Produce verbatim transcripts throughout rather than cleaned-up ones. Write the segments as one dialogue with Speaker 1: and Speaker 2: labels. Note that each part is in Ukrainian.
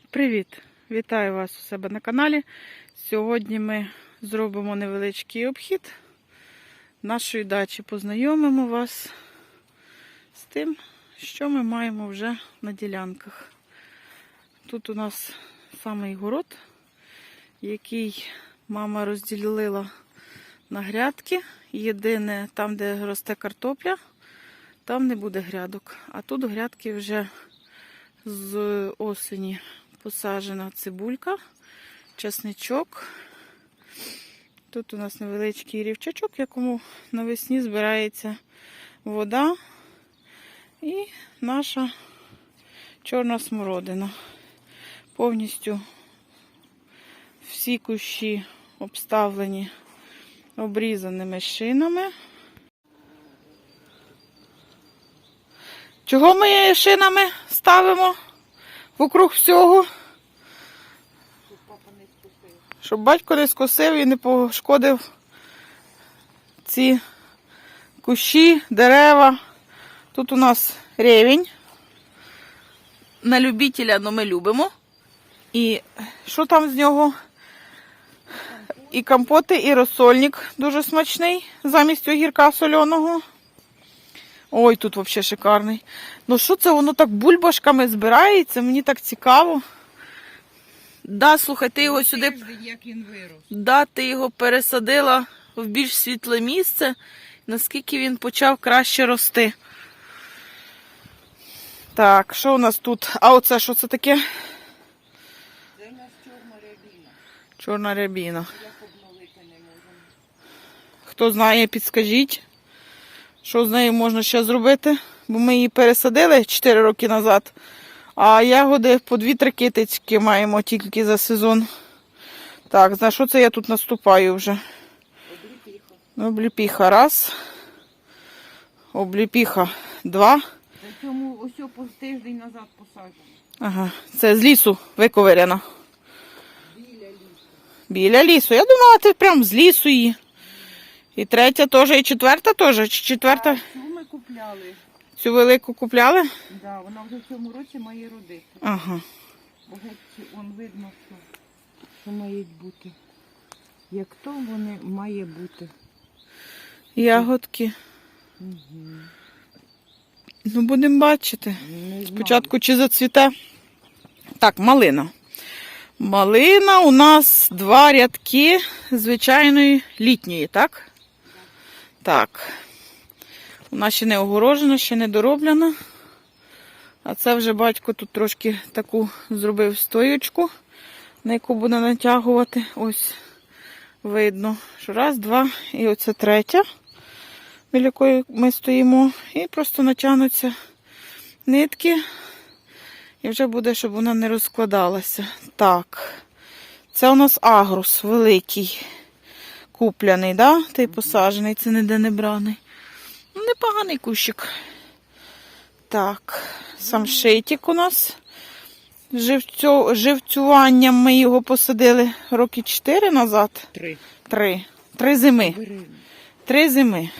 Speaker 1: Привіт! Вітаю вас у себе на каналі. Сьогодні ми зробимо невеличкий обхід нашої дачі. Познайомимо вас з тим, що ми маємо вже на ділянках. Тут у нас самий город, який мама розділила на грядки. Єдине, там, де росте картопля, там не буде грядок. А тут грядки вже з осені. Посаджена цибулька, чесничок. Тут у нас невеличкий рівчачок, в якому навесні збирається вода. І наша чорна смородина. Повністю всі кущі обставлені обрізаними шинами. Чого ми шинами ставимо вокруг всього? Щоб батько не скосив і не пошкодив ці кущі, дерева. Тут у нас ревінь. На любителя, але ми любимо. І що там з нього? І компоти, і розсольник дуже смачний, замість огірка соляного. Ой, тут взагалі шикарний. Ну що це воно так бульбашками збирається? Мені так цікаво. Да, слухай, ти його сюди...
Speaker 2: Як він вирос.
Speaker 1: Да, ти його пересадила в більш світле місце, наскільки він почав краще рости. Так, що у нас тут? А оце що це таке?
Speaker 2: Це у нас чорна рябіна.
Speaker 1: Чорна рябіна.
Speaker 2: Як обновити не можемо.
Speaker 1: Хто знає, підскажіть, що з нею можна ще зробити. Бо ми її пересадили чотири роки назад. А ягоди по дві-три китички маємо тільки за сезон. Так, на що це я тут наступаю вже?
Speaker 2: Обліпіха.
Speaker 1: Обліпіха раз. Обліпіха два.
Speaker 2: Причому ось по тиждень назад посаджено.
Speaker 1: Ага, це з лісу виковиряна.
Speaker 2: Біля лісу.
Speaker 1: Біля лісу. Я думала, ти прям з лісу її. І третя теж, і четверта теж. Чи четверта?
Speaker 2: А цю ми купляли.
Speaker 1: Цю велику купляли?
Speaker 2: Да, вона вже в цьому році має родити.
Speaker 1: Ага.
Speaker 2: Бо геть вон видно, що, що мають бути. Як то вони має бути.
Speaker 1: Ягодки.
Speaker 2: Угу.
Speaker 1: Ну, будемо бачити.
Speaker 2: Не
Speaker 1: Спочатку чи зацвіте. Так, малина. Малина у нас два рядки звичайної літньої, так? Так. Вона ще не огорожена, ще не дороблена. А це вже батько тут трошки таку зробив стоючку, на яку буде натягувати. Ось видно, що раз, два, і оце третя, біля якої ми стоїмо. І просто натягнуться нитки. І вже буде, щоб вона не розкладалася. Так. Це у нас агрус великий. Купляний, да? Той посаджений, це ніде не браний. Ну, непоганий кущик. Так, самшитик у нас. Живцю... Живцюванням ми його посадили роки чотири назад.
Speaker 2: Три.
Speaker 1: Три. Три зими.
Speaker 2: Бери.
Speaker 1: Три зими.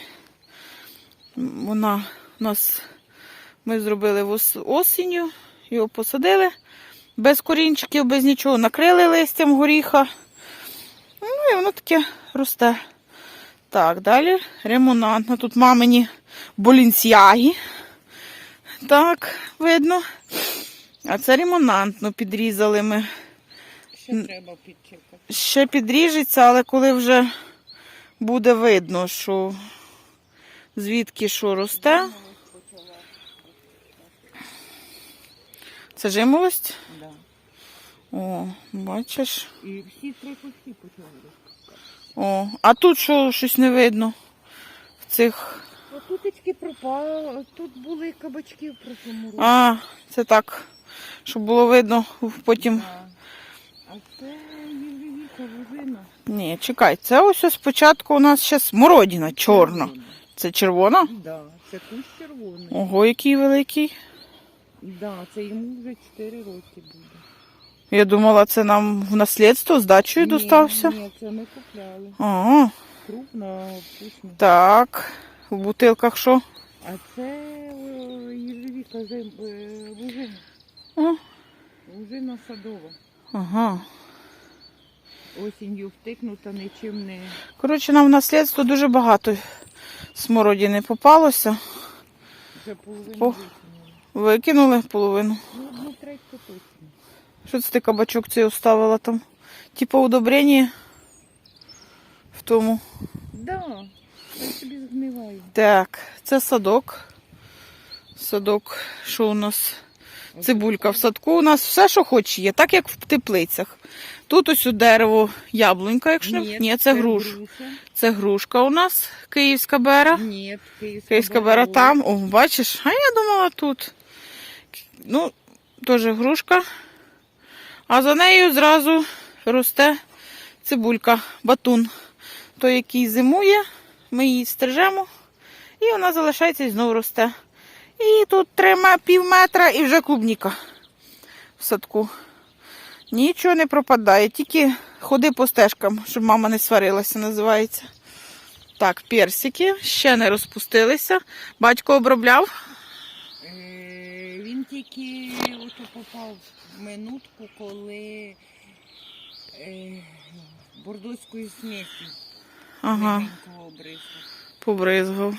Speaker 1: Вона у нас, ми зробили ос... осінню, його посадили. Без корінчиків, без нічого. Накрили листям горіха. Ну і воно таке росте. Так, далі ремонантна. Тут мамині болінсяги. Так, видно. А це ремонантно підрізали ми.
Speaker 2: Ще треба підчекати.
Speaker 1: Ще підріжеться, але коли вже буде видно, що звідки що росте. Це жимолость?
Speaker 2: Да.
Speaker 1: О, бачиш.
Speaker 2: І всі три кущі почали розпускати.
Speaker 1: О, а тут що, щось не видно в цих...
Speaker 2: Тутечки пропало, тут були кабачки в прошлому році.
Speaker 1: А, це так, щоб було видно потім.
Speaker 2: Да. А це євревіка вужина.
Speaker 1: Ні, чекай, це ось спочатку у нас ще смородина чорна. Це червона?
Speaker 2: Да, це кущ червоний.
Speaker 1: Ого, який великий.
Speaker 2: Да, це йому вже чотири роки буде.
Speaker 1: Я думала, це нам в наслідство з дачею
Speaker 2: Ні,
Speaker 1: достався.
Speaker 2: Ні, це ми купляли.
Speaker 1: Ага,
Speaker 2: Крупно, вкусно.
Speaker 1: так. В бутилках що?
Speaker 2: А це євревіка вужина.
Speaker 1: О,
Speaker 2: Лужина садова.
Speaker 1: Ага.
Speaker 2: Осінню втикнута, нічим не...
Speaker 1: Коротше, нам в наслідство дуже багато смородини попалося.
Speaker 2: Вже половину
Speaker 1: По-
Speaker 2: викинули.
Speaker 1: Викинули половину.
Speaker 2: Ну, одну третьку точно.
Speaker 1: Що це ти кабачок цей оставила там? Типа удобрення в тому.
Speaker 2: Да, я собі згниваю.
Speaker 1: Так, це садок. Садок, що у нас? Цибулька в садку. У нас все, що хоч є, так як в теплицях. Тут ось у дерево яблунька, якщо не... Ні, це груш.
Speaker 2: груша.
Speaker 1: Це грушка у нас, київська бера.
Speaker 2: Ні, київська,
Speaker 1: Київська бера там. О, бачиш? А я думала тут. Ну, теж грушка. А за нею зразу росте цибулька, батун. Той, який зимує, ми її стрижемо. І вона залишається і знову росте. І тут три пів метра і вже клубніка в садку. Нічого не пропадає, тільки ходи по стежкам, щоб мама не сварилася, називається. Так, персики ще не розпустилися. Батько обробляв.
Speaker 2: Е, він тільки ото попав в минутку, коли е, бордоською смертю
Speaker 1: Ага,
Speaker 2: легенько обрисла.
Speaker 1: побризгав.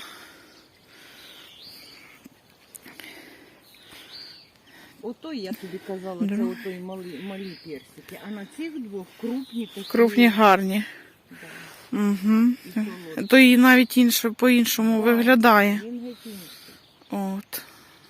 Speaker 2: Ото я тобі казала,
Speaker 1: Да.
Speaker 2: це ото і малі, малі персики. А на цих двох крупні такі.
Speaker 1: Крупні гарні.
Speaker 2: Да,
Speaker 1: Угу.
Speaker 2: і солодкі.
Speaker 1: То і навіть інше, по-іншому виглядає.
Speaker 2: Він геть інший.
Speaker 1: От.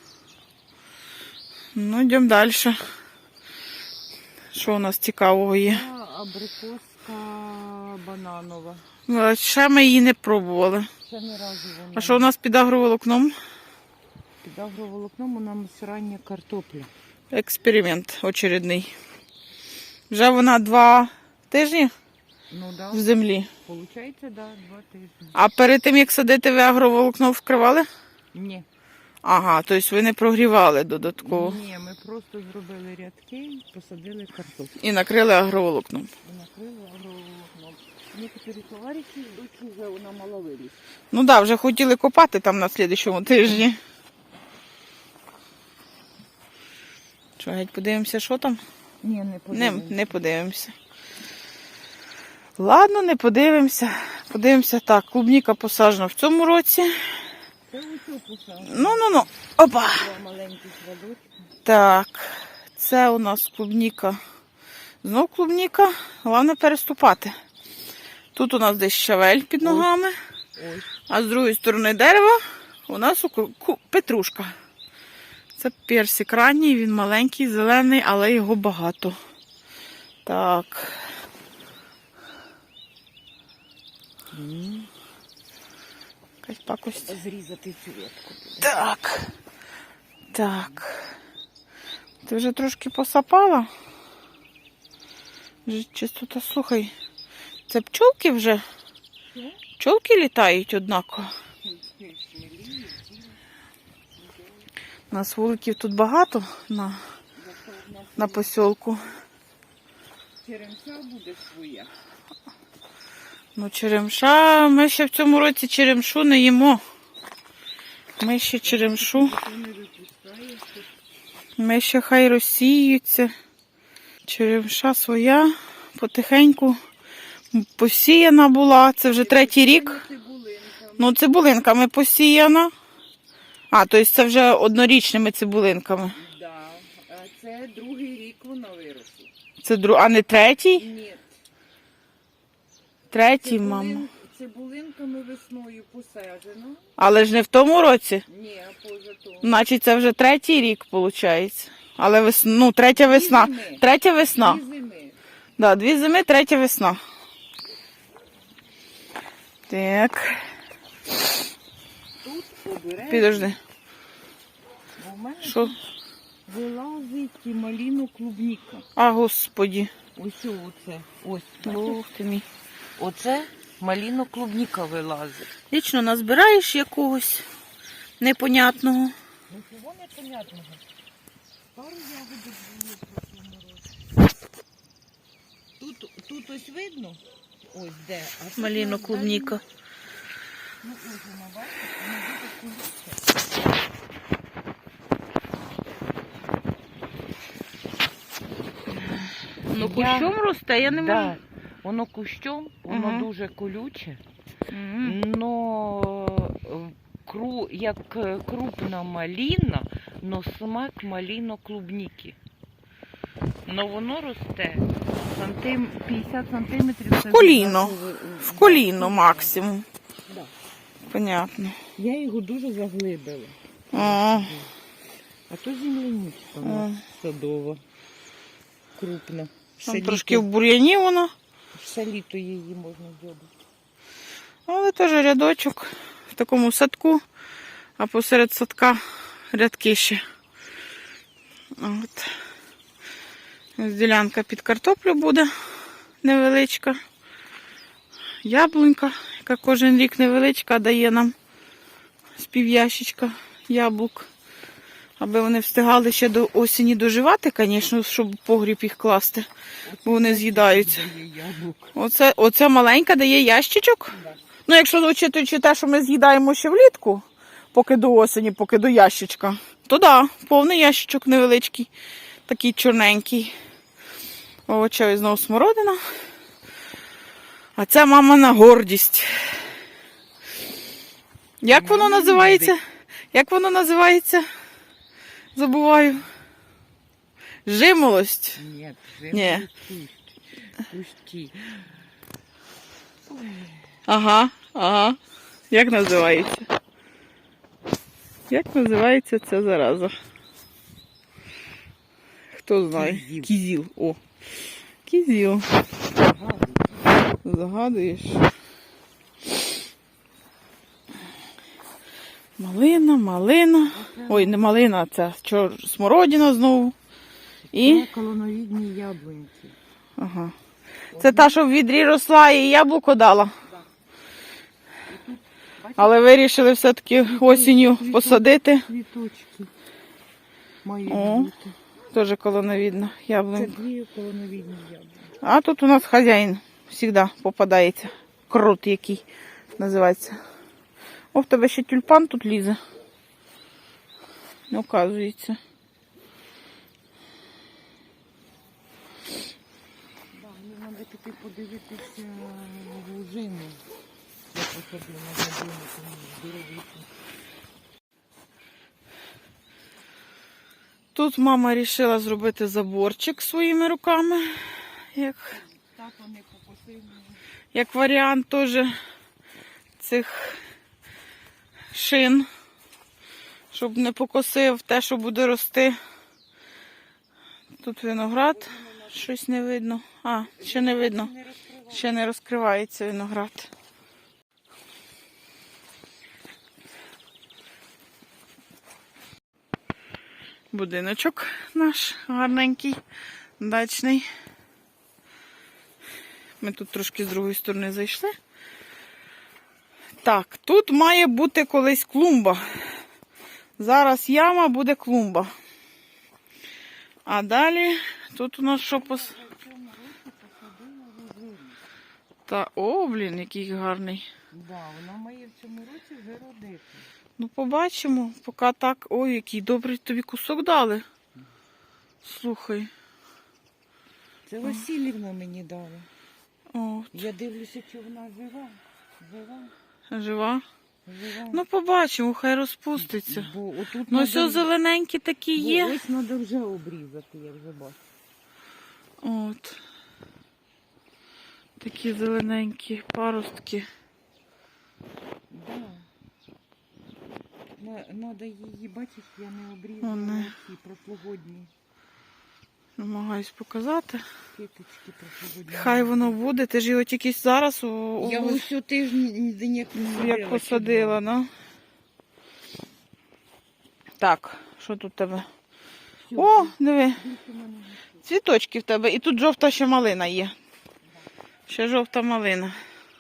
Speaker 1: Ну, йдемо далі. Що у нас цікавого є?
Speaker 2: А абрикоска бананова.
Speaker 1: Ну, ще ми її не пробували.
Speaker 2: Ще не разу вона.
Speaker 1: А що у нас під агроволокном?
Speaker 2: Під агроволокном у нас рання картопля.
Speaker 1: Експеримент очередний. Вже вона два тижні
Speaker 2: Ну да,
Speaker 1: в землі.
Speaker 2: получається, да, два тижні.
Speaker 1: А перед тим, як садити, ви агроволокно вкривали?
Speaker 2: Ні.
Speaker 1: Ага, тобто ви не прогрівали додатково.
Speaker 2: Ні, ми просто зробили рядки і посадили картоплю.
Speaker 1: І накрили агроволокном.
Speaker 2: І накрили агроволокном. Некоторі товариші йдуть вже вона мала виліз.
Speaker 1: Ну так, да, вже хотіли копати там на слідчому тижні. Що, геть подивимося, що там?
Speaker 2: Ні, не
Speaker 1: Не,
Speaker 2: подивимося.
Speaker 1: не подивимося. Ладно, не подивимося. Подивимося так, клубніка посаджена в цьому році.
Speaker 2: Це оцю посадку.
Speaker 1: Ну, ну, ну. Опа.
Speaker 2: Два маленьких садочки.
Speaker 1: Так, це у нас клубніка. Знов клубніка. Головне переступати. Тут у нас десь щавель під ногами.
Speaker 2: Ось.
Speaker 1: А з другої сторони дерева у нас ку- ку- петрушка. Це персик ранній, він маленький, зелений, але його багато. Так.
Speaker 2: М.
Speaker 1: Якась пакость.
Speaker 2: Зрізати цю ветку.
Speaker 1: Так. Так. Ти вже трошки посапала? Вже чистота, слухай. Це пчолки вже?
Speaker 2: Що?
Speaker 1: Пчолки літають однаково. У нас вуликів тут багато на, на посілку.
Speaker 2: Черемша буде своя.
Speaker 1: Ну, черемша, ми ще в цьому році черемшу не їмо. Ми ще черемшу,
Speaker 2: Хто не випускає, то
Speaker 1: ми ще хай розсіються. Черемша своя, потихеньку посіяна була. Це вже третій рік.
Speaker 2: цибулинка.
Speaker 1: Ну, цибулинками посіяна. А, тобто це вже однорічними цибулинками.
Speaker 2: Да. А це другий рік вона виросла.
Speaker 1: Це дру... А не третій?
Speaker 2: Ні.
Speaker 1: Третій, мама.
Speaker 2: Цибулин... Цибулинками весною посаджено.
Speaker 1: Але ж не в тому році.
Speaker 2: Ні, а поза тому.
Speaker 1: Значить, це вже третій рік, виходить. Але вес... ну, третя весна.
Speaker 2: Дві зими.
Speaker 1: Третя весна.
Speaker 2: Дві зими.
Speaker 1: Да, дві зими, третя весна. Так,
Speaker 2: Тут обережно.
Speaker 1: підожди.
Speaker 2: У мене
Speaker 1: Що?
Speaker 2: вилазить і маліну клубніка.
Speaker 1: А, господі.
Speaker 2: Ось оце. Ось.
Speaker 1: Бог ти мій.
Speaker 2: Оце маліно клубніка вилазить.
Speaker 1: Лічно назбираєш якогось непонятного.
Speaker 2: Ну чого непонятного? Пару ягодок було в цьому році. Тут, тут ось видно? Ось де. А тут
Speaker 1: Маліно
Speaker 2: на
Speaker 1: клубніка.
Speaker 2: дальній- Ну ось вона, бачите, вона буде куличка.
Speaker 1: Воно
Speaker 2: Я-
Speaker 1: кущом росте, я не
Speaker 2: Да.
Speaker 1: можу.
Speaker 2: Воно кущом, воно
Speaker 1: Ага.
Speaker 2: дуже колюче,
Speaker 1: Мгм.
Speaker 2: но е, кру, як е, крупна маліна, но смак маліно-клубніки. Но воно росте сантим, п'ятдесят сантиметрів.
Speaker 1: В коліно. В коліно максимум.
Speaker 2: Да.
Speaker 1: Понятно.
Speaker 2: Я його дуже заглибила.
Speaker 1: А,
Speaker 2: А то земляничка у нас
Speaker 1: а.
Speaker 2: садова, крупна.
Speaker 1: Там трошки в бур'яні воно,
Speaker 2: Все літо її можна зробити.
Speaker 1: але теж рядочок в такому садку, а посеред садка рядки ще. От. Ось ділянка під картоплю буде невеличка. Яблунька, яка кожен рік невеличка, дає нам з пів'ящичка яблук. Аби вони встигали ще до осені доживати, звісно, щоб в погріб їх класти, бо вони з'їдаються.
Speaker 2: Дає яблук.
Speaker 1: Оце, оце маленька дає ящичок.
Speaker 2: Да.
Speaker 1: Ну, якщо учитуючи те, що ми з'їдаємо ще влітку, поки до осені, поки до ящичка, то да, повний ящичок невеличкий, такий чорненький. Овочевий знову смородина. А це мамина гордість. Як воно
Speaker 2: Мама
Speaker 1: називається?
Speaker 2: любить.
Speaker 1: Як воно називається? Забуваю. Жимолость.
Speaker 2: Ні,
Speaker 1: Ні.
Speaker 2: Пусті.
Speaker 1: Ага, ага. Як називається? Як називається ця зараза? Хто знає?
Speaker 2: Кізіл.
Speaker 1: Кізіл. О. Кізіл. Загадуєш. Малина, малина. Ой, не малина, це чор... смородина знову. І.
Speaker 2: Це колоновідні яблуньки.
Speaker 1: Ага. Це та, що в відрі росла і яблуко дала. Але вирішили все-таки осінню посадити.
Speaker 2: Квіточки мають
Speaker 1: О.
Speaker 2: бути.
Speaker 1: Теж колоновідна
Speaker 2: Це
Speaker 1: яблунька.
Speaker 2: дві колоновідні яблуньки.
Speaker 1: А тут у нас хазяїн завжди попадається. Крут який називається. О, в тебе ще тюльпан тут лізе. Не оказується.
Speaker 2: Да, мені треба піти подивитися лужину. Я посаду на годину, тому здоровіше.
Speaker 1: Тут мама вирішила зробити заборчик своїми руками. Як,
Speaker 2: Тато не покосив мене.
Speaker 1: як варіант теж цих шин. Щоб не покосив те, що буде рости. Тут виноград. Щось не видно. А, ще не видно.
Speaker 2: Не розкривав.
Speaker 1: Ще не розкривається виноград. Будиночок наш гарненький, дачний. Ми тут трошки з другої сторони зайшли. Так, тут має бути колись клумба. Зараз яма, буде клумба. А далі тут у нас що пос...
Speaker 2: В цьому році посадила лужину.
Speaker 1: Та, о, блін, який гарний.
Speaker 2: Да, вона має в цьому році вже родити.
Speaker 1: Ну, побачимо, поки так. Ой, який добрий тобі кусок дали. Слухай.
Speaker 2: Це Васильівна мені дала.
Speaker 1: О,
Speaker 2: Я дивлюся, чи вона жива. Жива,
Speaker 1: жива.
Speaker 2: жива.
Speaker 1: Ну, побачимо, хай розпуститься.
Speaker 2: Бо отут
Speaker 1: Ну,
Speaker 2: надо-
Speaker 1: все зелененькі такі
Speaker 2: бо
Speaker 1: є.
Speaker 2: ось треба вже обрізати, я вже бачу.
Speaker 1: От. Такі зелененькі паростки.
Speaker 2: Да. Треба її, бачиш, я не обрізала
Speaker 1: Вони.
Speaker 2: ці прошлогодні
Speaker 1: Намагаюсь показати.
Speaker 2: киточки прошлогодні.
Speaker 1: Хай воно буде. Ти ж його тільки зараз у, у-
Speaker 2: Я ось цю тиждень ніяк не садила.
Speaker 1: як посадила, ну. Так, що тут в тебе? О, диви, цвіточки в тебе. І тут жовта ще малина є. Ще жовта малина.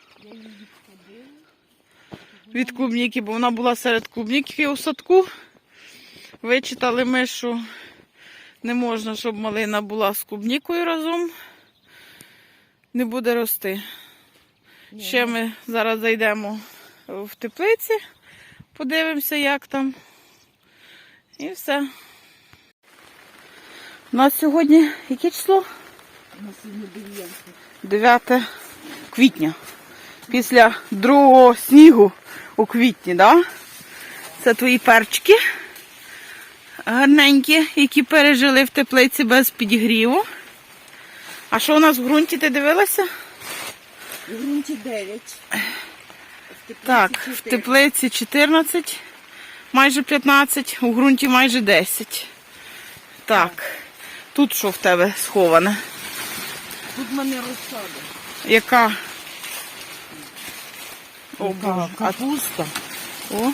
Speaker 1: Від клубніки, бо вона була серед клубніки у садку. Вичитали ми, що не можна, щоб малина була з клубнікою разом. Не буде рости. Ще ми зараз зайдемо в теплиці, подивимося, як там. І все. У нас сьогодні яке число?
Speaker 2: На сьогодні дев'яте.
Speaker 1: дев'яте квітня. Після другого снігу у квітні, да? Це твої перчики. Гарненькі, які пережили в теплиці без підігріву. А що у нас в ґрунті, ти дивилася?
Speaker 2: В ґрунті дев'ять.
Speaker 1: Так, в теплиці чотирнадцять, майже п'ятнадцять, у ґрунті майже десять. Так, тут що в тебе сховане?
Speaker 2: Тут в мене розсада.
Speaker 1: Яка? О,
Speaker 2: Яка?
Speaker 1: Боже. А,
Speaker 2: Капуста.
Speaker 1: о.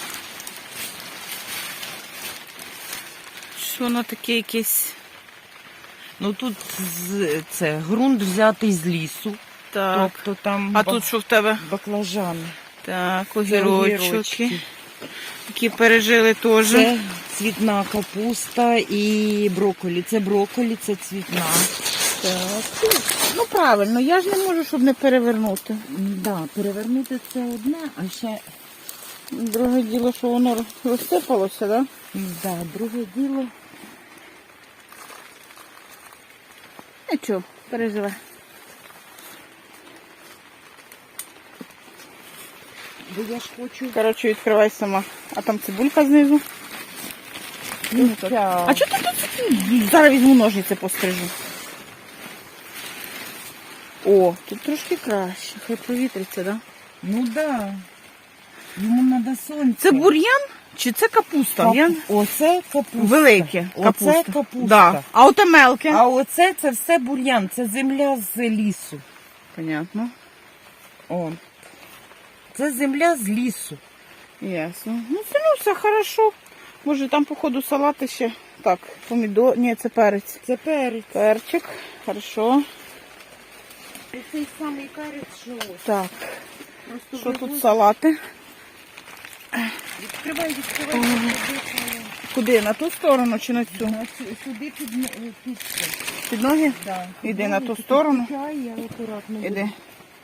Speaker 1: Що воно таке якесь?
Speaker 2: Ну тут з- це ґрунт взятий з лісу.
Speaker 1: Так.
Speaker 2: Тобто там
Speaker 1: А
Speaker 2: ба-
Speaker 1: тут що в тебе?
Speaker 2: баклажани.
Speaker 1: Так,
Speaker 2: Це
Speaker 1: огірочки,
Speaker 2: огірочки.
Speaker 1: які пережили теж.
Speaker 2: Це цвітна капуста і брокколі. Це брокколі, це цвітна.
Speaker 1: Так. Ну правильно, я ж не можу, щоб не перевернути.
Speaker 2: Да, перевернути це одне, а ще
Speaker 1: Друге діло, що воно розсипалося, так?
Speaker 2: да, друге діло.
Speaker 1: Нічого, переживе.
Speaker 2: Бо я ж хочу.
Speaker 1: Коротше, відкривай сама. А там цибулька знизу.
Speaker 2: Ця-
Speaker 1: А чого ти тут такі? Зараз візьму ножниці пострижу. О, тут трошки краще. Хай провітриться, да?
Speaker 2: Ну да. Йому треба сонце.
Speaker 1: Це бур'ян чи це капуста?
Speaker 2: Кап-
Speaker 1: Я...
Speaker 2: Оце капуста.
Speaker 1: Велике.
Speaker 2: Оце
Speaker 1: Капуста.
Speaker 2: капуста.
Speaker 1: Да. А оте мелке.
Speaker 2: А оце це все бур'ян, це земля з лісу.
Speaker 1: Понятно.
Speaker 2: О. Це земля з лісу.
Speaker 1: Ясно. Ну, це ну, все хорошо. Може там, походу, салати ще. Так, помідор. Ні, це перець.
Speaker 2: Це перець.
Speaker 1: Перчик. Хорошо.
Speaker 2: Цей самий перець, що ось.
Speaker 1: Так.
Speaker 2: Просто
Speaker 1: Що
Speaker 2: вивозять.
Speaker 1: тут салати?
Speaker 2: Відкривай, відкривай. Сюди,
Speaker 1: Куди? На ту сторону чи на цю?
Speaker 2: на цю- сюди під, н- під це.
Speaker 1: Під ноги?
Speaker 2: Да.
Speaker 1: Іди на ту
Speaker 2: Тут
Speaker 1: сторону.
Speaker 2: чай, я акуратно буду.
Speaker 1: Іди.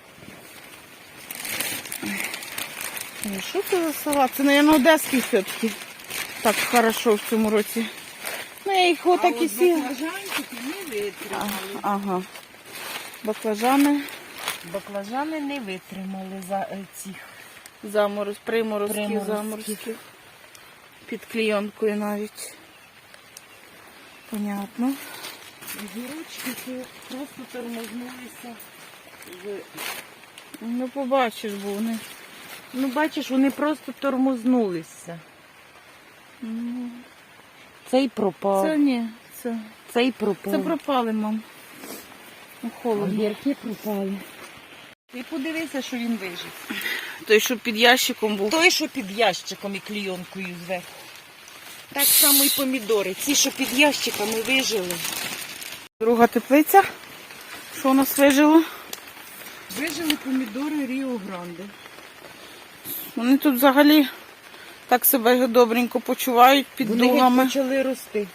Speaker 1: Ой, що це за салат? Це, мабуть, одеський все-таки. Так хорошо в цьому році. Ну, я їх
Speaker 2: А
Speaker 1: отак і
Speaker 2: от
Speaker 1: сіла.
Speaker 2: баклажанчики не витримали.
Speaker 1: Ага. Баклажани,
Speaker 2: Баклажани не витримали за е, цих.
Speaker 1: замороз, приморозки,
Speaker 2: Приморозки.
Speaker 1: заморозки. Під клійонкою навіть. Понятно.
Speaker 2: Огірочки це просто тормознулися. з-
Speaker 1: Ну, побачиш, бо вони.
Speaker 2: Ну, бачиш, вони просто тормознулися.
Speaker 1: Ну,
Speaker 2: Цей пропав.
Speaker 1: це ні, це,
Speaker 2: Цей пропав.
Speaker 1: це пропали, мам. Ну, холодно.
Speaker 2: Огірки пропали. Ти подивися, що він вижив.
Speaker 1: Той, що під ящиком був.
Speaker 2: Той, що під ящиком і клійонкою зверху. Так само і помідори. Ці, що під ящиками вижили.
Speaker 1: Друга теплиця. Що у нас вижило?
Speaker 2: Вижили помідори Ріо Гранде.
Speaker 1: Вони тут взагалі так себе добренько почувають під
Speaker 2: Вони
Speaker 1: дугами.
Speaker 2: почали рости.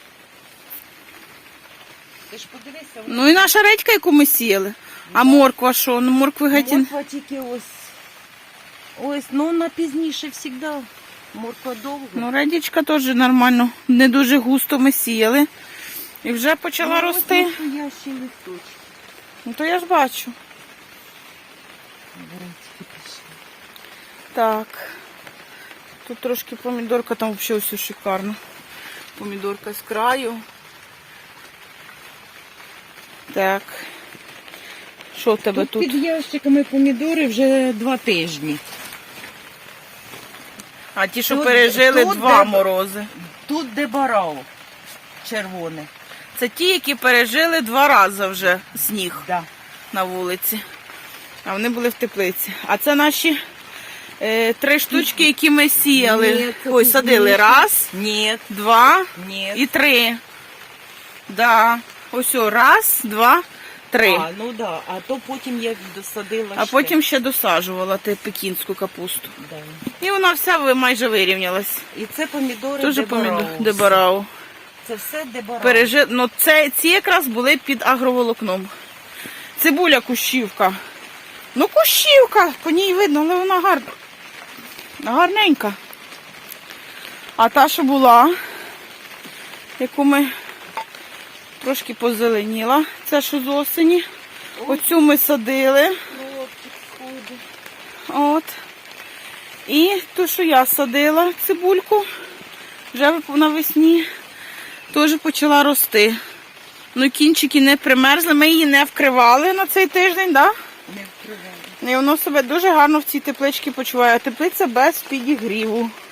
Speaker 2: Ти ж подивися,
Speaker 1: Ну і наша редька, яку ми сіяли. А морква що? Ну моркви геть.
Speaker 2: морква тільки ось. Ось, ну вона пізніше завжди. Морква довго.
Speaker 1: Ну, редічка теж нормально. Не дуже густо ми сіяли. І вже почала
Speaker 2: Ну,
Speaker 1: рости.
Speaker 2: ось настоящий листочок.
Speaker 1: Ну то я ж бачу.
Speaker 2: Бурячки пішли.
Speaker 1: Так. Тут трошки помідорка, там взагалі все шикарно. Помідорка з краю. Так. Що в тебе
Speaker 2: Тут,
Speaker 1: тут?
Speaker 2: під ящиками помідори вже два тижні.
Speaker 1: А ті, що
Speaker 2: тут-
Speaker 1: пережили
Speaker 2: тут
Speaker 1: два
Speaker 2: де-
Speaker 1: морози.
Speaker 2: Тут дебарао червоне.
Speaker 1: Це ті, які пережили два рази вже сніг
Speaker 2: Да.
Speaker 1: на вулиці. А вони були в теплиці. А це наші е, три штучки, які ми сіяли.
Speaker 2: Ні, це
Speaker 1: Ой, садили.
Speaker 2: пізніше.
Speaker 1: Раз,
Speaker 2: Ні,
Speaker 1: два
Speaker 2: ні.
Speaker 1: і три. Да. Ось о, раз, два, три.
Speaker 2: А, ну да, а то потім я досадила
Speaker 1: А
Speaker 2: ще.
Speaker 1: потім ще досаджувала те пекінську капусту.
Speaker 2: Да.
Speaker 1: І вона вся ви- майже вирівнялась.
Speaker 2: І це помідори
Speaker 1: Дуже
Speaker 2: дебарао.
Speaker 1: помідор дебарау.
Speaker 2: Це все дебарао.
Speaker 1: Пережи... Ну, це, ці якраз були під агроволокном. Цибуля кущівка. Ну, кущівка, по ній видно, але вона гарна. Гарненька. А та, що була, яку ми Трошки позеленіла. Це що з осені. Оцю ми садили.
Speaker 2: Хлопчик сходить.
Speaker 1: От. І ту, що я садила, цибульку, вже навесні, теж почала рости. Ну, кінчики не примерзли, ми її не вкривали на цей тиждень, так?
Speaker 2: Не вкривали.
Speaker 1: І воно себе дуже гарно в цій тепличці почуває. Теплиця без підігріву.